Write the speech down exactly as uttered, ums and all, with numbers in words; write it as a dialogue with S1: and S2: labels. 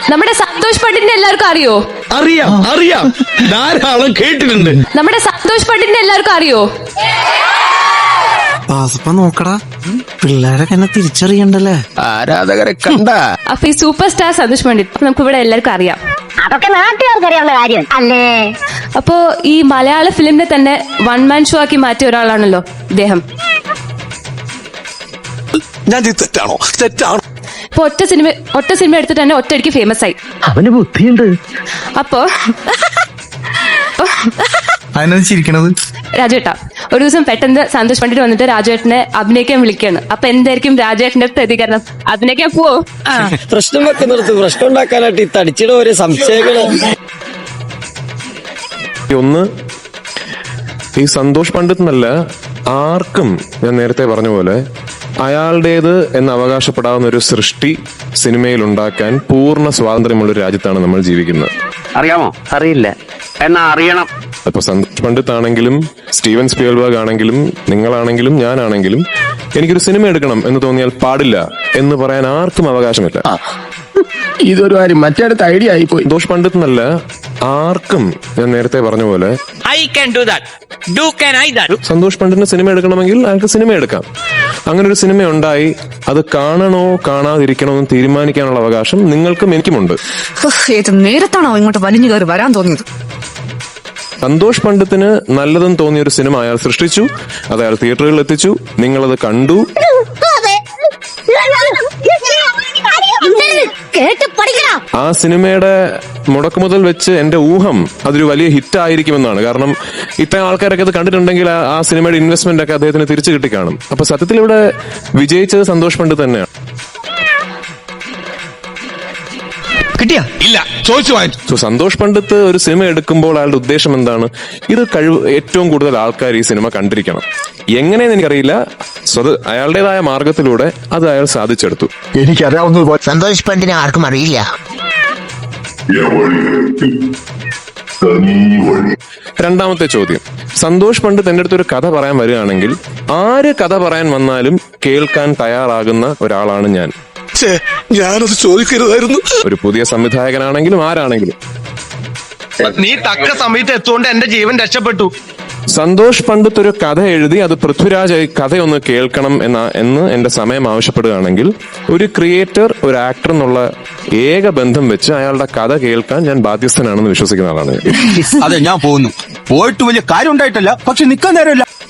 S1: നമ്മുടെ സന്തോഷ് പണ്ഡിറ്റിനെ എല്ലാവർക്കും അറിയോ?
S2: അറിയാം അറിയാം ധാരാളം കേട്ടിട്ടുണ്ട്.
S1: നമ്മുടെ സന്തോഷ് പണ്ഡിറ്റിനെ എല്ലാവർക്കും അറിയോ?
S3: നോക്കടാ, പിള്ളേരൊക്കെ എന്നെ തിരിച്ചറിയണ്ടല്ലേ.
S2: ആരാധകരെ കണ്ട.
S1: അപ്പൊ ഈ സൂപ്പർ സ്റ്റാർ സന്തോഷ് പണ്ഡിറ്റ് നമുക്ക് ഇവിടെ എല്ലാവർക്കും അറിയാം.
S4: അതൊക്കെ നാട്ടുകാർക്ക് അറിയാവുന്ന കാര്യം അല്ലേ?
S1: അപ്പോ ഈ മലയാള ഫിലിമിനെ തന്നെ വൺ മാൻ ഷോ ആക്കി മാറ്റിയ ഒരാളാണല്ലോ ഇദ്ദേഹം.
S3: ഞാൻ തെറ്റാണോ? തെറ്റാണോ?
S1: ഇപ്പൊ ഒറ്റ സിനിമ ഒറ്റ സിനിമ എടുത്തിട്ട് തന്നെ ഒറ്റയടിക്ക് ഫേമസ് ആയി.
S2: അവന് ബുദ്ധിയുണ്ട്.
S1: അപ്പോ
S3: അതിനകത്ത് ചിരിക്കണത്
S1: രാജുവേട്ടാ, ഒരു ദിവസം പെട്ടെന്ന് സന്തോഷ് പണ്ഡിറ്റ് വന്നിട്ട് രാജുവേട്ടനെ അഭിനയിക്കാൻ വിളിക്കുകയാണ്. അപ്പൊ എന്തായിരിക്കും രാജുവേട്ടന്റെ പ്രതികരണം? അഭിനയിക്കാൻ പോവോ?
S5: പ്രശ്നം വെക്കുന്നിടത്ത് പ്രശ്നം ഉണ്ടാക്കാനായിട്ട് ഈ തടിച്ചിടെ ഒരു സംശയങ്ങള്.
S6: ഒന്ന്, ഈ സന്തോഷ് പണ്ഡിറ്റ് എന്നല്ല ആർക്കും ഞാൻ നേരത്തെ പറഞ്ഞ പോലെ അയാളുടേത് എന്ന് അവകാശപ്പെടാവുന്ന ഒരു സൃഷ്ടി സിനിമയിൽ ഉണ്ടാക്കാൻ പൂർണ്ണ സ്വാതന്ത്ര്യമുള്ള ഒരു രാജ്യത്താണ് നമ്മൾ ജീവിക്കുന്നത്.
S5: അറിയാമോ? അറിയില്ല, എന്നാ അറിയണം.
S6: ഇപ്പൊ സന്തോഷ് പണ്ഡിറ്റ് ആണെങ്കിലും സ്റ്റീവൻ സ്പീൽബർഗ് ആണെങ്കിലും നിങ്ങളാണെങ്കിലും ഞാനാണെങ്കിലും എനിക്കൊരു സിനിമ എടുക്കണം എന്ന് തോന്നിയാൽ പാടില്ല എന്ന് പറയാൻ ആർക്കും അവകാശമില്ല.
S2: ഇതൊരു കാര്യം മറ്റേടത്ത് ഐഡിയ ആയിപ്പോയി.
S6: സന്തോഷ് പണ്ഡിറ്റ് എന്നല്ല ആർക്കും ഞാൻ നേരത്തെ പറഞ്ഞ പോലെ സന്തോഷ് പണ്ഡിറ്റിന് സിനിമ എടുക്കണമെങ്കിൽ അയാൾക്ക് സിനിമ എടുക്കാം. അങ്ങനെ ഒരു സിനിമ ഉണ്ടായി അത് കാണണോ കാണാതിരിക്കണോ എന്ന് തീരുമാനിക്കാനുള്ള അവകാശം നിങ്ങൾക്കും എനിക്കുമുണ്ട്.
S7: ഏത് നേരത്താണോ ഇങ്ങോട്ട് വലിഞ്ഞു കയറി വരാൻ തോന്നിയത്?
S6: സന്തോഷ് പണ്ഡിറ്റിന് നല്ലതെന്ന് തോന്നിയ ഒരു സിനിമ അയാൾ സൃഷ്ടിച്ചു, അത് അയാൾ തിയേറ്ററുകളിൽ എത്തിച്ചു, നിങ്ങളത് കണ്ടു. ആ സിനിമയുടെ മുടക്കുമുതൽ വെച്ച് എന്റെ ഊഹം അതൊരു വലിയ ഹിറ്റ് ആയിരിക്കുമെന്നാണ്. കാരണം ഇത്രയും ആൾക്കാരൊക്കെ അത് കണ്ടിട്ടുണ്ടെങ്കിൽ ആ സിനിമയുടെ ഇൻവെസ്റ്റ്മെന്റ് ഒക്കെ അദ്ദേഹത്തിന് തിരിച്ചു കിട്ടിക്കാണും. അപ്പൊ സത്യത്തിൽ ഇവിടെ വിജയിച്ചത് സന്തോഷ് പണ്ഡിറ്റ് തന്നെയാണ്.
S2: കിട്ടിയ ഇല്ല ചോദിച്ചു വാങ്ങിച്ചു.
S6: സോ സന്തോഷ് പണ്ഡിറ്റ് ഒരു സിനിമ എടുക്കുമ്പോൾ അയാളുടെ ഉദ്ദേശം എന്താണ്? ഇത് കഴിവ് ഏറ്റവും കൂടുതൽ ആൾക്കാർ ഈ സിനിമ കണ്ടിരിക്കണം. എങ്ങനെയെന്ന് എനിക്കറിയില്ല. സ്വത് അയാളുടേതായ മാർഗത്തിലൂടെ അത് അയാൾ സാധിച്ചെടുത്തു.
S3: എനിക്കറിയാവുന്ന സന്തോഷ് പണ്ഡിറ്റിനെ ആർക്കും അറിയില്ല.
S6: രണ്ടാമത്തെ ചോദ്യം, സന്തോഷ് പണ്ഡിറ്റ് എന്റെ അടുത്ത് ഒരു കഥ പറയാൻ വരികയാണെങ്കിൽ ആര് കഥ പറയാൻ വന്നാലും കേൾക്കാൻ തയ്യാറാകുന്ന ഒരാളാണ് ഞാൻ.
S3: ഞാനത് ചോദിക്കരുതായിരുന്നു.
S6: ഒരു പുതിയ സംവിധായകനാണെങ്കിലും ആരാണെങ്കിലും.
S2: നീ തക്ക സമയത്ത് എത്തുകൊണ്ട് എന്റെ ജീവൻ രക്ഷപ്പെട്ടു.
S6: സന്തോഷ് പണ്ഡിറ്റ് ഒരു കഥ എഴുതി അത് പൃഥ്വിരാജ് കഥയൊന്ന് കേൾക്കണം എന്ന എന്ന് എന്റെ സമയം ആവശ്യപ്പെടുകയാണെങ്കിൽ ഒരു ക്രിയേറ്റർ ഒരു ആക്ടർ എന്നുള്ള ഏക ബന്ധം വെച്ച് അയാളുടെ കഥ കേൾക്കാൻ ഞാൻ ബാധ്യസ്ഥനാണെന്ന് വിശ്വസിക്കുന്ന ആളാണ്.
S8: അതെ, ഞാൻ പോകുന്നു. പോയിട്ട് വലിയ കാര്യം ഉണ്ടായിട്ടല്ല, പക്ഷെ നിക്കാൻ നേരമില്ല.